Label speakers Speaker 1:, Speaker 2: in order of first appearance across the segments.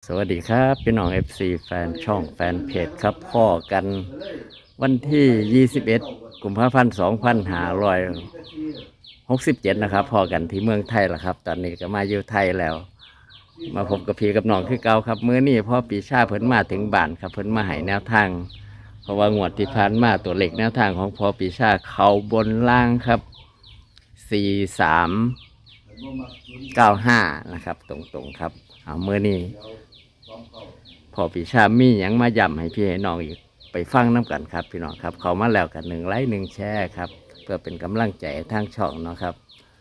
Speaker 1: สวัสดีครับพี่น้อง FC แฟนช่องแฟนเพจครับพ่อกันวันที่ 21 กุมภาพันธ์2567นะครับพ่อกันที่เมืองไทยล่ะครับ ตอนนี้ก็มาอยู่ไทยแล้ว มาพบกับพี่กับน้องคือเก่าครับมื้อนี้พ่อปีชาเพิ่นมาถึงบ้านครับเพิ่นมาให้แนวทาง เพราะว่างวดที่ผ่านมาตัวเลขแนวทางของพ่อปีชาเขาบนล่างครับ4395นะครับตรงๆครับเอามื้อนี้ พอปีชามีหยังมาย้ำให้พี่ให้น้องอีกไปฟังน้ำกันครับพี่น้องครับเขามาแล้วกัน1 ไลค์ 1 แชร์ครับเพื่อเป็นกำลังใจทางช่องเนาะครับ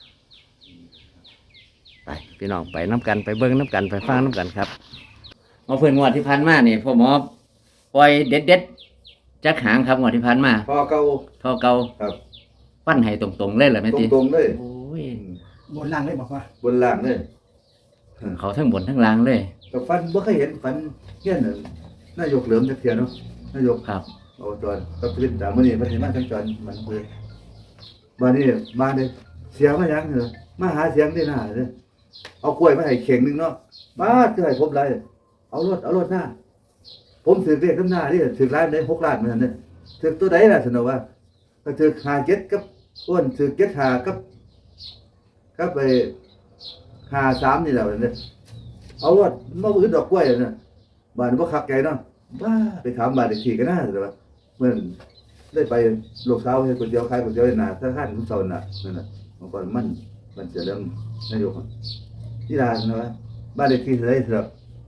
Speaker 1: ไปพี่น้องไปน้ำกันไปเบิ้งน้ำกันไปฟังน้ำกันครับมาเพื่อนงวดที่พันมานี่พ่อหมอปล่อยเด็ดจักหางครับงวดที่พันมา
Speaker 2: พอเก่า
Speaker 1: พอเก่า
Speaker 2: ครับ
Speaker 1: ปั้นให้ตรงๆเลยเหรอแม่ติ
Speaker 2: ตรงๆเลย
Speaker 1: โอ้ย
Speaker 3: บนล่างเลยบอกว่า
Speaker 2: บนล่างเลย
Speaker 1: เขาทั้งบนทั้งล่างเลย
Speaker 2: ก็ฟันบ่เคยเห็นฟันเงี้ยน่ะนายกเหลิมจักเที่ยเนาะนายก
Speaker 1: ครับ
Speaker 2: เอาตอนก็พื้นตามมื้อนี้เพิ่นสิมาทั้งจอนมันเพิ่นบัดนี้มาเด้เสียมาหยังเหรอมาหาเสียงที่หน้าเด้อเอากล้วยมาให้เข่งนึงเนาะมาคือให้ผมไรเอารถหน้าผมถือเลขน้ำหน้านี่ถือล้านได้6 ล้านเหมือนกันเด้อถือตัวใดล่ะสนอว่าก็ถือ57กับอ้วนถือ75กับไป53นี่แหละเด้อเอารถมาอื่นดอกกล้วยน่ะบ้านบ่คักใจเนาะบ้าไปถามบ้านเลขที่ก็น่าสิว่าเมื่อได้ไปลูกสาวเฮ็ดก๋วยเตี๋ยวขายก๋วยเตี๋ยวหน้าธนาคารมื้อเช้าน่ะนั่นน่ะเมื่อก่อนมันจะเริ่มนายกที่ร้านนะว่าบ้านเลขที่เท่าไหร่ครับ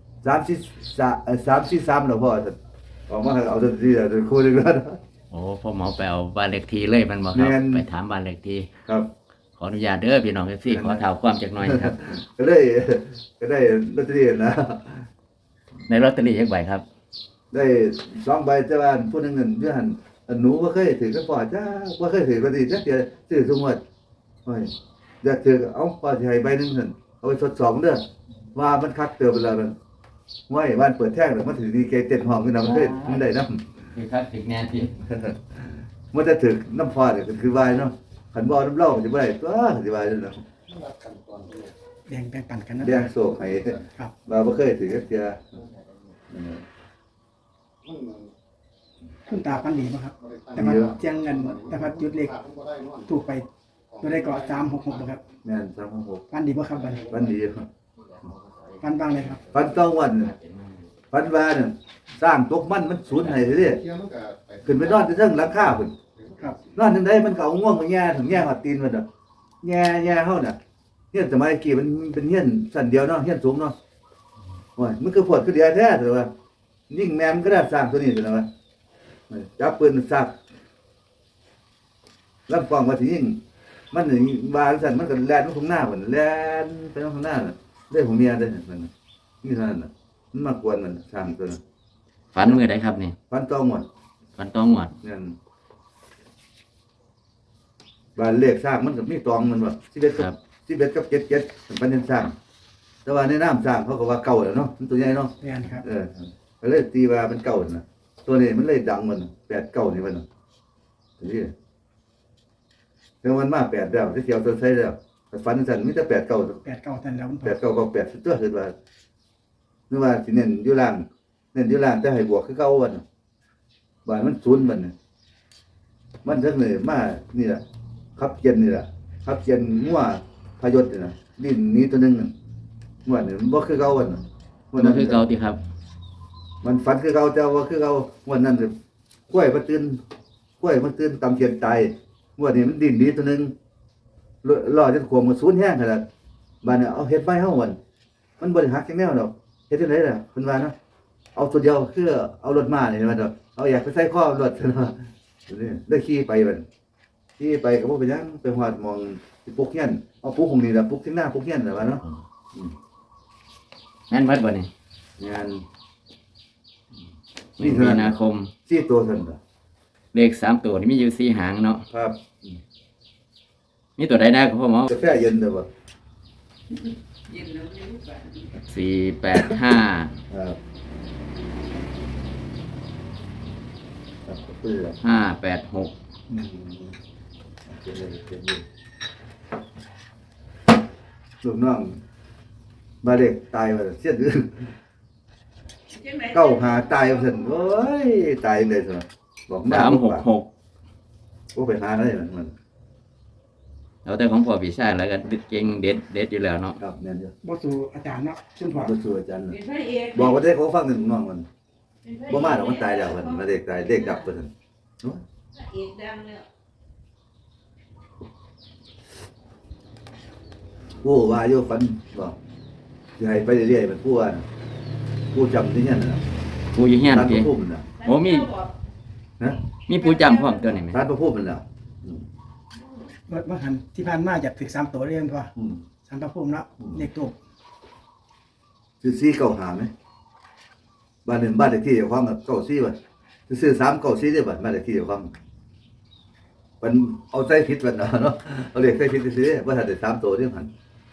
Speaker 2: 343แล้วพ่อออกมาเอาตัวที่ตัวคู่นึงแล้ว
Speaker 1: โอ้พ่อหมอไปเอาบ้านเลขที่เลยมันบอกครับไปถามบ้านเลขที่
Speaker 2: ครับ
Speaker 1: ขออนุญาตเด้อพี่น้องพี่ขอถามความจักหน่อยครับ
Speaker 2: ก็ได้ลอตเตอรี่นะ
Speaker 1: ในลอตเตอรี่ยักใบครับ
Speaker 2: ได้2 ใบแต่ว่าผู้นึงนั่นอยู่หั่นหนูบ่เคยถือกับพ่อจ้าบ่เคยถือลอตเตอรี่จักเที่ยซื้อทุกงวดโอ้ยอยากถือเอาพ่อสิให้ใบนึงซั่นเอาไปทดสอบเด้อว่ามันคักเติบแล้วมันห้วยบ้านเปิดแท่งแล้วมันถือดีเกเต้นห้องขึ้นนะมันได้นำ
Speaker 1: คือครับถึงแน่ที่
Speaker 2: มันจะถึกน้ำพ่อนี่ก็คือวายเนาะคันบ่น้ำเหล้าสิบ่ได้ตัวสิวายนั่นน่ะ
Speaker 3: แบ่งปันกันนะ
Speaker 2: แดงโศกให้
Speaker 3: ครับ
Speaker 2: ว่าบ่เคยถือจักเที่ย
Speaker 3: คุณตาพันดีป่ะครับแต่ว่าเจียงเงินแต่ว่าจุดเล็กถูกไปตัวได้เกาะ366ป่ะครับ
Speaker 2: แม่น366
Speaker 3: พันดีป่ะครับบัดนี้
Speaker 2: ฟันดีครับ
Speaker 3: พันบ้างเลยครับ
Speaker 2: ฟันต้องวันฟันว่าเนี่ยสร้างตกมันสูญให้เด้ขึ้นไปนอนที่เทิงหลังคาพุ่น
Speaker 3: ครับ
Speaker 2: นอนจังได๋มันก็เอาง่วงมาแย่ถึงแย่ฮอดตีนมันน่ะแย่เฮาน่ะเฮียนสมัยกี้มันเป็นเฮียนชั้นเดียวเนาะเฮียนสูงเนาะโอ้ยมันคือปวดคือเดียวแท้แต่ว่ายิ่งแม่มันก็ได้สร้างตัวนี้แต่ว่าจับปืนซักลำกล้องว่าสิยิงมันนี่ว่าซั่นมันก็แล่นมาข้างหน้าพุ่นแล่นไปข้างหน้าน่ะได้ของเมียได้มันนี่เท่านั้นน่ะมันมากวนมันสร้างตัวนั้น
Speaker 1: ฝันมือใดครับนี่
Speaker 2: ฟันต้องหมด
Speaker 1: ฝันต้องหมด
Speaker 2: เนี่ยบ้านเลขสร้างมันก็มีตองมันว่า11กับ77ปันยังสร้างแต่ว่าในน้ำสร้างเขาก็ว่าเก่าแล้วเนาะมันตัวใหญ่เนาะ
Speaker 3: แม่นครับ
Speaker 2: ก็เลยตีว่าเป็นเก่าน่ะตัวนี้มันเลยดังมัน8 9นี่มันนี่แต่มันมา8แล้วที่เกี่ยวตัวใช้แล้วฟันสั่นมีแต่8 9
Speaker 3: 89ท่านแล้วคุณพ่
Speaker 2: 8 9ก็8สุดตัวคือว่านึกว่าสิเน้นอยู่ล่างแต่ให้บวกคือเก่าวันบ้านมันศูนย์มันจังเลยมานี่ล่ะขับเกียนนี่ล่ะขับเกียนงัวพยศนี่น่ะดิ้นนี้ตัวนึงงัวนี่มันบ่คือเก่าวัน
Speaker 1: มันคือเก่าติครับ
Speaker 2: มันฝันคือเก่าแต่ว่าคือเก่าวันนั้นกล้วยมันตื่นตำเขียนตายงัวนี่มันดิ้นนี้ตัวนึงรอจนขวมมันสูญแห้งขนาดบ้านเนี่ยเอาเฮ็ดไม้เฮามันบ่ได้หักจังแนวดอกเฮ็ดจังได๋ล่ะเพิ่นว่าเนาะเอาตัวเดียวคือเอารถมานี่มันดอกเอาอยากไปใส่ข้อรถเนาะนี่ได้ขี่ไปบัดขี่ไปก็บ่เป็นหยังไปฮอดมองสิปลุกเฮียนเอาปลุกของนี่ล่ะปลุกที่หน้าปลุกเฮียนล่ะว่าเนาะ
Speaker 1: แม่นเบิดบ่นี่
Speaker 2: งาน
Speaker 1: มีนาคม
Speaker 2: 4ตัวซั่นล่ะ
Speaker 1: เลข3ตัวนี่มีอยู่4หางเนาะ
Speaker 2: ครับ
Speaker 1: มีตัวใดนะครับพ่อหมอก
Speaker 2: าแฟเย็นเด้อบ่
Speaker 1: 485
Speaker 2: ครับ
Speaker 1: 586
Speaker 2: ลูกน้องบาเด็กตายว่าเสียดื้อเก้าหาตายเพิ่นโอ้ยตายเลยสิบอกมา
Speaker 1: 366
Speaker 2: โอ้ไปหาได้มัน
Speaker 1: แล้วแต่ของพ่อพี่ชายแล้วก็เก่งเด็ดอยู่แล้วเนาะ
Speaker 2: ครับแม่นอยู่
Speaker 3: บ่สู่อาจารย์เนาะคุณพ่อ
Speaker 2: บ่สู้อาจารย์น่ะบอกว่าได้เขาฟังหนึ่งน้องมันบ่มาดอกมันตายแล้วเพิ่นมาเด็กตายเด็กดับเพิ่นโอ้ย
Speaker 4: เอกดังแล้ว
Speaker 2: ผู้ว่าอยู่ฝันบ่สิให้ไปเรื่อยๆมันผู้ว่าน่ะผู้จำที่เนี่ยน่ะ
Speaker 1: ผู้อยู่เฮียน
Speaker 2: ท่านพ
Speaker 1: พี่
Speaker 2: ระภูมิน่ะ
Speaker 1: โอ้มี
Speaker 2: นะ
Speaker 1: มีผู้จำพร้อมตัวนี้ไหม
Speaker 2: ท่านพระภูมินั่นน่ะ
Speaker 3: ว่าหันที่ผ่านมาอยากถึก3ตัวเรียนพ่อ
Speaker 2: อืม
Speaker 3: สามพระภูมิเนาะเลขทูป
Speaker 2: ซื้อซี่เก้าหาไหมบ้านหนึ่งบ้านเลขที่เจ้าของกับเก้าซี่บ่ซื้อ3เก้าซี่ได้บ่บ้านเลขที่เจ้าของมันเอาใส่ผิดมันเนาะเอาเลขใส่ผิดซื้อบ่ทันได้3ตัวเด้หั่น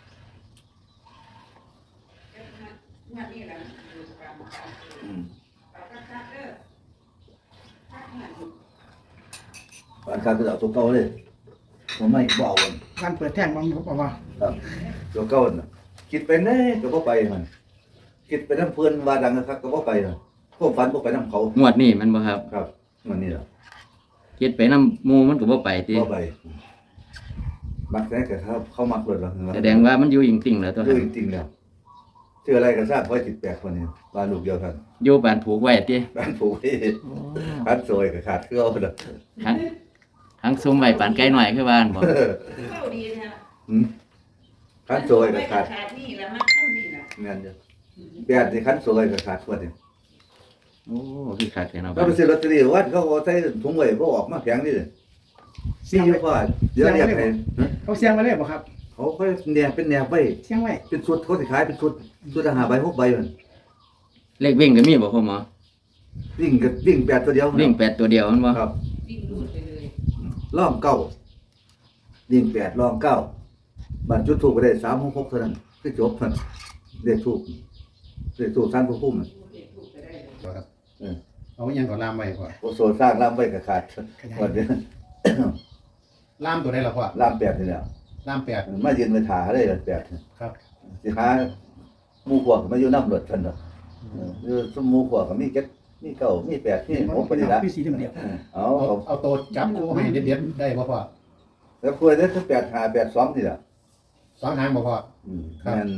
Speaker 4: งานนี้แหละ
Speaker 2: อืม
Speaker 4: เอาคักๆเด้อคักงาน
Speaker 2: บ้านข้างก็เอาตัวเก่าเลยบ่ไม่บ่เอามัน
Speaker 3: วันเปิดแท่งบ่บอกว่า
Speaker 2: ครับตัวเก่าน่ะคิดไปแน่ก็บ่ไปมันคิดไปนำเพิ่นว่าดังคักก็บ่ไปน่ะพวกฝันบ่ไปนำเขา
Speaker 1: งวดนี้มันบ่ครับ
Speaker 2: ครับมันนี่ล่ะ
Speaker 1: คิดไปนำหมู่มันก็บ่ไปติ
Speaker 2: บ่ไปมักแต่ก็เขามักรถแล้ว
Speaker 1: แสดงว่ามันอยู่จริงๆแล้วตัว
Speaker 2: คื
Speaker 1: นั้
Speaker 2: อน จริงๆแล้วชื่ออะไรก็ทราบไว้18คนนี้บ้านลูกเดียวกัน
Speaker 1: อยู่บ้านผูกไว้ติ
Speaker 2: บ้านผูกไว้คัดซอยก็ขาดเครือเอาเด้อ
Speaker 1: ทั้งซุ่มไว้ปานไก่หน่อยคือบ้านบ่
Speaker 4: เข้าดีนะ
Speaker 2: หืมคัดซอยก็ขาด
Speaker 4: ขาดนี่ละมันเข้านี่ละ
Speaker 2: แม่นเด้อแบบที่คัดซอยก็ขาดคนนี้
Speaker 1: โอ้คือคักแท้เนาะ
Speaker 2: ถ้าไปซื้อลอตเตอรี่วัดเขาเอาใส่ถุงไว้บ่ออกมาแข็งนี่เลยซีอยู่พอเดี๋ยวเรียกให้ฮะ
Speaker 3: เขาเสียงไว้เลยบ่ครับ
Speaker 2: เขาค่อยแนบเป็นแนบไว้
Speaker 3: เสียงไว้
Speaker 2: เป็นชุดเขาสิขายเป็นชุดละ5ใบ6ใบมัน
Speaker 1: เลขวิ่งก็มีบ่พ่อหมอ
Speaker 2: วิ่งก็วิ่ง8ตัวเดียว
Speaker 1: วิ่ง8ตัวเดียวมันบ่
Speaker 2: ครับ
Speaker 4: วิ่งรูดไปเลย
Speaker 2: ล่องเก้าวิ่ง8ล่องเก้าบัตรจุดถูกก็ได้366เท่านั้นคือจบมันเลขถูกท่านผู้คุ้มน่ะ
Speaker 4: เด็กถูกไปได้เลย
Speaker 5: ครับ
Speaker 2: เออ
Speaker 5: เอายังก่อนล่ามไว้ก่อน
Speaker 2: โอโซสร้างล่ามไว้ก็ขาดวันเดียว
Speaker 5: ล่ามตัวได้หรอพ่อ
Speaker 2: ล่าม8นี่แหละ
Speaker 5: ล่าม8
Speaker 2: มายืนไปถ่าได้8
Speaker 5: ครับ
Speaker 2: สิหาหมู่พวกมาอยู่นำรถเพิ่นดอกอยู่สมหมู่พวกก็มี7มี9มี8มี6ไปนี่ล่ะ
Speaker 3: พี่สีเดียว
Speaker 2: เอา
Speaker 5: เอาตัวจับคู่ให้เด็ดๆได้บ่พ่อ
Speaker 2: แล้วคุยได้ถึง8 5 8 2นี่ล่ะ
Speaker 5: สองหางบ่พ่อ ครับ
Speaker 2: แม่น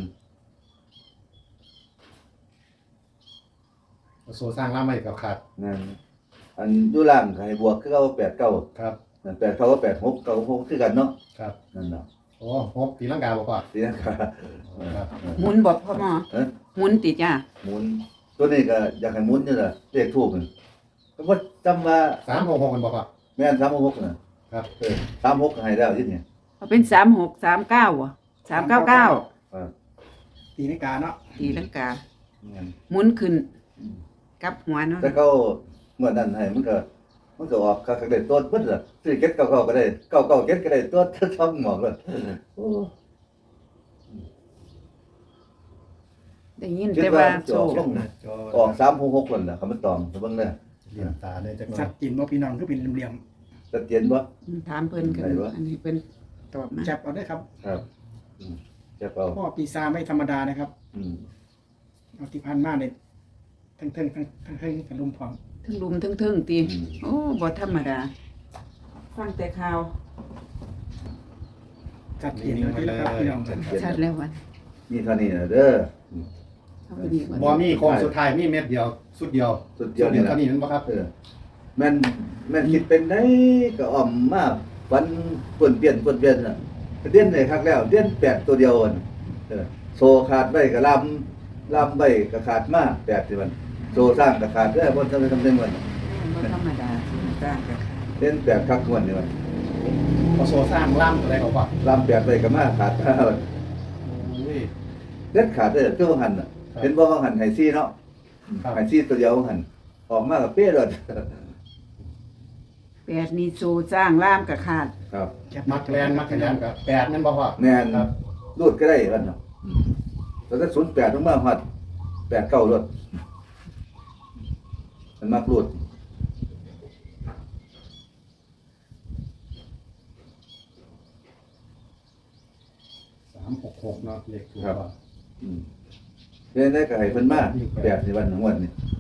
Speaker 5: เอาโซสร้างล่ามไว้กับขาด
Speaker 2: แม่นอันอยู่ล่างก็ให้บวกคือเอา8 9
Speaker 5: ครับ
Speaker 2: นั่น8 9ก็8 6 9 6คือกันเนาะ
Speaker 5: ครับ
Speaker 2: นั่นน่ะ
Speaker 5: โอ้หกตีลังกาบ่พ่อ
Speaker 2: เสียค่ะ
Speaker 5: ครับ
Speaker 4: หมุนบอกพ่อหมอ
Speaker 2: เอ้ย
Speaker 4: หมุนติจ้า
Speaker 2: หมุนตัวนี้ก็อยากให้หมุนนี่ล่ะเลขทูปมันก็บ่จำว่า
Speaker 5: 366กันบ่พ่อ
Speaker 2: แม่น366น่ะ
Speaker 5: ครับ
Speaker 2: 36ก็ให้แล้วยิเนี่ย
Speaker 4: เอาเป็น3639อ่ะ399
Speaker 3: ตีนาฬิกาเนาะ
Speaker 4: ตีลังกา
Speaker 2: แม่น
Speaker 4: หมุนขึ้นกลับหัวเนาะ
Speaker 2: แต่เขาเมื่อนั้นให้มันก็ออกก็ได้ต้นเพิ่นล่ะซื้อเก็ดเก่าๆก็ได้เก่าๆเก็ดก็ได้ต้นช่องหมอกเลยโอ้
Speaker 4: ได้ยิน
Speaker 2: คิด
Speaker 4: แต่
Speaker 2: ว่า
Speaker 4: ว่า
Speaker 2: จะ
Speaker 4: โซ
Speaker 2: ออกลง
Speaker 5: จอ
Speaker 2: ออก366นั่นน่ะคำมันตองเบิ่งเด้อ
Speaker 5: เหลี่ยมตาได้จักหน่อ
Speaker 3: สั
Speaker 5: ย
Speaker 3: ตว์กินบ่พี่น้องคือเป็นเหลี่ยม
Speaker 2: ชัดเจนบ่
Speaker 4: ถามเพิ่นกัน
Speaker 2: ไหนวะ
Speaker 4: อันนี้เพิ่นตอบมา
Speaker 3: ๆจับเอาได้ครับ
Speaker 2: ครับจะเอา
Speaker 3: พ่อปีศาจไม่ธรรมดานะครับ
Speaker 2: อืม
Speaker 3: เอาที่ผ่านมาเนี่ยทั้งกันลุมพร้อม
Speaker 4: ทั้งลุมทั้งเทิงตีโอ้บ่ธรรมดา ฟังแต่ข่าว
Speaker 3: จัดเย็นเลยนะครับพี่น้อง
Speaker 4: ชัดแล้ววัน
Speaker 2: มีเท่านี้น่ะเด้อ
Speaker 4: เอาไปดีกว่า
Speaker 5: บ่มีโค้งสุดท้ายมีเม็ดเดียวสุดเดียว
Speaker 2: สุดเดียวนี่
Speaker 5: เท่า
Speaker 2: ล่ะ
Speaker 5: นี้นั่นบ่ครับ
Speaker 2: แม่นคิดเป็นได้ก็อ่อมมาวันป่วนเปลี่ยนน่ะเด่นได้คักแล้วเด่น8ตัวเดียวอะโซขาดไว้ก็ลำไว้ก็ขาดมา8สิมันโซสร้างก็ขาดเด้อบ่ทำได้มัน
Speaker 4: บ่ธรรมดาต่างกันค่ะ
Speaker 2: เด่น8คักม่วนนี่มัน
Speaker 5: เอาโซสร้างล่ามตัวได้บ่พ่อ
Speaker 2: ลำ8ไว้ก็มาขาด
Speaker 5: โอ้ย
Speaker 2: เด็ดขาดเด้อคือว่าหั่นน่ะ
Speaker 5: ครับ
Speaker 2: เห็นบ่ว่าหั่นไห้ซี่เนาะ
Speaker 5: ครับ
Speaker 2: ไห้ซี่ตัวเดียวหั่นออกมาก็เป๊ะเลย
Speaker 4: แปดนี่สู่สร้างล่ามกับขาด
Speaker 2: ครับ
Speaker 5: มักแลนมักขยันกับ8นั่นบ่พ่อ
Speaker 2: แม่น
Speaker 5: ครับ
Speaker 2: รูดก็ได้กันเนาะแล้วก็08ลงมาฮอด89รถมันมักรูด
Speaker 5: 366เนาะเลขถูกพ่อ
Speaker 2: อืมเฮ็ดได้ก็ให้เพิ่นมา8สิวันงวดนี่